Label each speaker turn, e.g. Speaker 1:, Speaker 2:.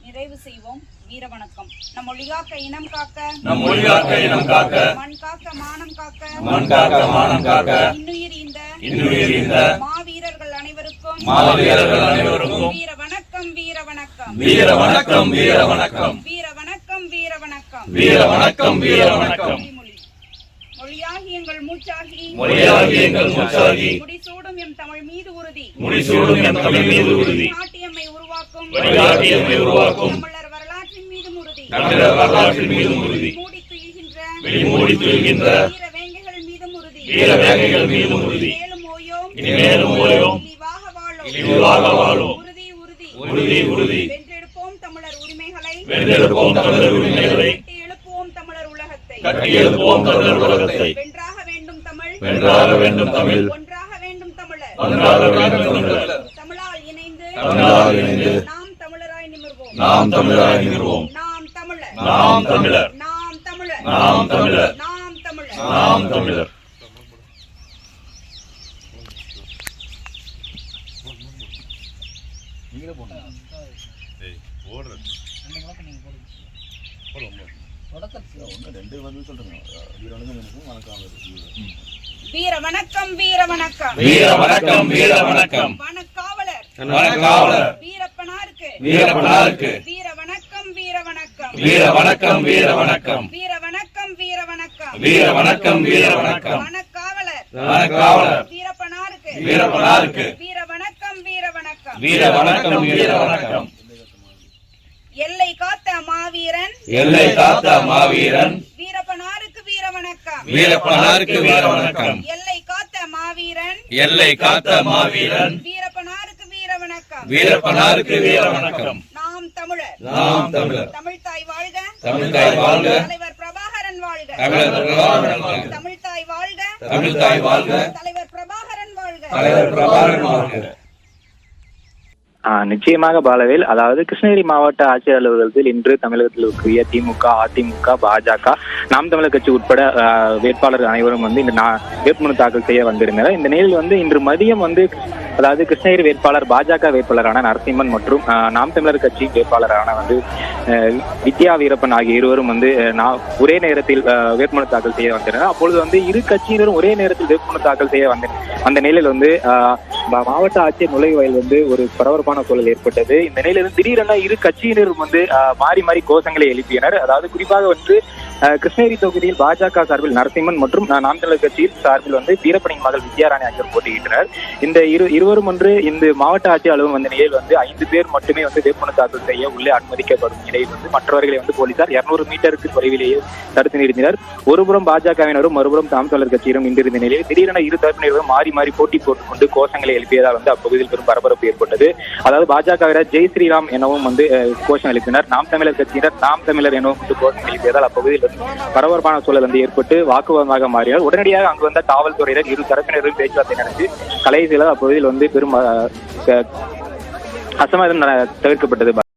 Speaker 1: நிறைவு செய்வோம். வீர வணக்கம். நம் மொழிகாக்க இனம் காக்க,
Speaker 2: நம் மொழிகாக்க இனம் காக்க,
Speaker 1: மண் காக்க மானம் காக்க,
Speaker 2: மண் காக்க மானம் காக்க,
Speaker 1: இன்னுயிர்
Speaker 2: இந்த
Speaker 1: மாவீரர்கள் அனைவருக்கும் வீர வணக்கம். வீர வணக்கம்.
Speaker 2: வீர வணக்கம். வீர வணக்கம்.
Speaker 1: வீர வணக்கம். வீர வணக்கம்.
Speaker 2: வீர வணக்கம். வீர வணக்கம்.
Speaker 1: மொழியாகி எங்கள் மூச்சாகி,
Speaker 2: மொழியாகி எங்கள் மூச்சாகி,
Speaker 1: முடிசூடும் எம் தமிழ் மீது உறுதி,
Speaker 2: முடிசூடும் எம் தமிழ் மீது உறுதி,
Speaker 1: நாட்டியம்மை உருவாக்கும் தமிழர் வரலாற்றின் மீதும் உறுதி,
Speaker 2: தமிழர் வரலாற்றின் மீதும் உறுதி, மூடி துயில்கின்ற
Speaker 1: வீர வேங்கைகள் மீதும் உறுதி,
Speaker 2: வீர வேங்கைகள் மீதும் உறுதி,
Speaker 1: மேலும் ஓயோம்
Speaker 2: இழிவாக வாழும்
Speaker 1: உறுதி உறுதி
Speaker 2: உறுதி உறுதி,
Speaker 1: வென்றெடுப்போம் தமிழர் உரிமைகளை,
Speaker 2: வென்றெடுப்போம் தமிழர் உரிமைகளை,
Speaker 1: கட்டி எழுப்புவோம் தமிழர் உலகத்தை,
Speaker 2: கட்டி எழுப்புவோம் தமிழர் உலகத்தை,
Speaker 1: வென்றாக வேண்டும் தமிழ்,
Speaker 2: வென்றாக வேண்டும் தமிழ்,
Speaker 1: ஒன்றாக வேண்டும் தமிழர்,
Speaker 2: ஒன்றாக வேண்டும் தமிழர்,
Speaker 1: தமிழால் இணைந்து நாம் தமிழராய் நிமிர்வோம்,
Speaker 2: நாம் தமிழராய் நிமிர்வோம்,
Speaker 1: நாம் தமிழர்,
Speaker 2: நாம் தமிழர்,
Speaker 1: நாம் தமிழர்,
Speaker 2: நாம் தமிழர்,
Speaker 1: நாம் தமிழர்,
Speaker 2: நாம் தமிழர்.
Speaker 1: வீர வணக்கம். வீர வணக்கம்.
Speaker 2: வீர வணக்கம். வீர வணக்கம்.
Speaker 1: வணக்காவலர்
Speaker 2: வணக்காவலர்
Speaker 1: வீரப்பனாருக்கு,
Speaker 2: வீரப்பனாருக்கு
Speaker 1: வீர வணக்கம். வீர வணக்கம்.
Speaker 2: வீர வணக்கம். வீர வணக்கம்.
Speaker 1: வீர வணக்கம். வீர வணக்கம்.
Speaker 2: வீர வணக்கம். வீர வணக்கம்.
Speaker 1: வணக்காவலர்
Speaker 2: வணக்காவலர்
Speaker 1: வீரப்பனாருக்கு,
Speaker 2: வீரப்பனாருக்கு
Speaker 1: வீர வணக்கம். வீர வணக்கம்.
Speaker 2: வீர வணக்கம். வீர வணக்கம்.
Speaker 1: எல்லை காத்த மாவீரன்,
Speaker 2: எல்லை காத்த மாவீரன்
Speaker 1: வீரப்பனாருக்கு வீர வணக்கம்.
Speaker 2: வீரப்பனாருக்கு வீர வணக்கம்.
Speaker 1: எல்லை காத்த மாவீரன்,
Speaker 2: எல்லை காத்த மாவீரன்
Speaker 1: வீரப்பனாருக்கு வீர வணக்கம்.
Speaker 2: வீரப்பனாருக்கு வீர வணக்கம்.
Speaker 1: நாம் தமிழர்,
Speaker 2: நாம் தமிழர்,
Speaker 1: தமிழ்தாய் வாழ்க,
Speaker 2: தமிழ்தாய் வாழ்க,
Speaker 1: தலைவர் பிரபாகரன் வாழ்க,
Speaker 2: தமிழர் பிரபாகரன் வாழ்க,
Speaker 1: தமிழ்தாய் வாழ்க,
Speaker 2: தமிழ்தாய் வாழ்க,
Speaker 1: தலைவர் பிரபாகரன் வாழ்க,
Speaker 2: தலைவர் பிரபாகரன் வாழ்க.
Speaker 3: நிச்சயமாக பாலவேல், அதாவது கிருஷ்ணகிரி மாவட்ட ஆட்சியர் அலுவலகத்தில் இன்று தமிழகத்தில் இருக்கிற திமுக, அதிமுக, பாஜக, நாம் தமிழர் கட்சி உட்பட வேட்பாளர் அனைவரும் இந்த வேட்புமனு தாக்கல் செய்ய வந்திருந்தனர். இந்த நிலையில் இன்று மதியம் அதாவது கிருஷ்ணகிரி வேட்பாளர், பாஜக வேட்பாளரான நரசிம்மன் மற்றும் நாம் தமிழர் கட்சி வேட்பாளரான வித்யா வீரப்பன் ஆகிய இருவரும் ஒரே நேரத்தில் வேட்புமனு தாக்கல் செய்ய வந்திருந்தனர். அப்பொழுது இரு கட்சியினரும் ஒரே நேரத்தில் வேட்புமனு தாக்கல் செய்ய அந்த நிலையில் மாவட்ட ஆட்சியர் நுழைவாயில் ஒரு பரபரப்பான சூழல் ஏற்பட்டது. இந்த நிலையிலிருந்து திடீரென இரு கட்சியினரும் மாறி மாறி கோஷங்களை எழுப்பினர். அதாவது குறிப்பாக கிருஷ்ணகிரி தொகுதியில் பாஜக சார்பில் நரசிம்மன் மற்றும் நாம் தமிழர் கட்சியில் சார்பில் வீரப்பனின் மகள் வித்யாராணி ஆகியோர் போட்டியிட்டனர். இந்த இருவரும் இந்த மாவட்ட ஆட்சியர் அலுவலகம் நிலையில் 5 பேர் மட்டுமே வேட்புமனு தாக்கல் செய்ய உள்ளே அனுமதிக்கப்படும் நிலையில் மற்றவர்களை போலீசார் 200 மீட்டருக்கு தொலைவிலேயே தடுத்து நிறுத்தினர். ஒருபுறம் பாஜகவினரும் மறுபுறம் நாம் தமிழர் கட்சியினரும் இன்றிருந்த நிலையில் திடீரென இரு தரப்பினரும் மாறி மாறி போட்டி போட்டுக்கொண்டு கோஷங்களை எழுப்பியதால் அப்பகுதியில் பெரும் பரபரப்பு ஏற்பட்டது. அதாவது பாஜகவினர் ஜெய் ஸ்ரீராம் எனவும் கோஷம் எழுப்பினர். நாம் தமிழர் கட்சியினர் நாம் தமிழர் எனவும் கோஷம் எழுப்பியதால் அப்பகுதியில் பரபரப்பான சூழல் ஏற்பட்டு வாக்குவாதமாக மாறினார். உடனடியாக அங்கு வந்த காவல்துறையினர் இரு தரப்பினரும் பேச்சுவார்த்தை நடத்தி கலைசில அப்பகுதியில் பெரும் அசம்பாவிதம் தவிர்க்கப்பட்டது.